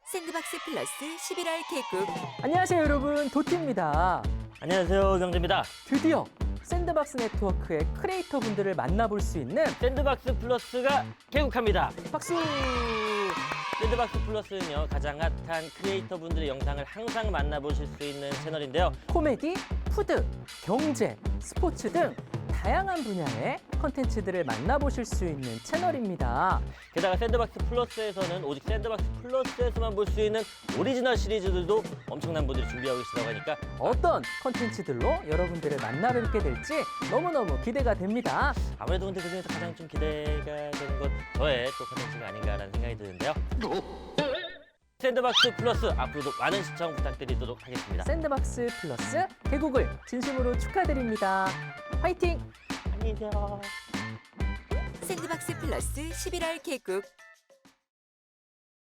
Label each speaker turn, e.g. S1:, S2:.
S1: 샌드박스 플러스 11월 개국.
S2: 안녕하세요 여러분, 도티입니다.
S3: 안녕하세요, 경재입니다.
S2: 드디어 샌드박스 네트워크의 크리에이터 분들을 만나볼 수 있는
S3: 샌드박스 플러스가 개국합니다.
S2: 박수!
S3: 샌드박스 플러스는요, 가장 핫한 크리에이터 분들의 영상을 항상 만나보실 수 있는 채널인데요.
S2: 코미디, 푸드, 경제, 스포츠 등 다양한 분야의 컨텐츠들을 만나보실 수 있는 채널입니다.
S3: 게다가 샌드박스 플러스에서는 오직 샌드박스 플러스에서만 볼 수 있는 오리지널 시리즈들도 엄청난 분들이 준비하고 계시다고 하니까
S2: 어떤 컨텐츠들로 여러분들을 만나뵙게 될지 너무너무 기대가 됩니다.
S3: 아무래도 근데 그중에서 가장 좀 기대가 되는 건 저의 또 컨텐츠가 아닌가라는 생각이 드는데요. 샌드박스 플러스 앞으로도 많은 시청 부탁드리도록 하겠습니다.
S2: 샌드박스 플러스 개국을 진심으로 축하드립니다. 화이팅!
S3: 안녕히 계세요.
S1: 샌드박스 플러스 11월 개국.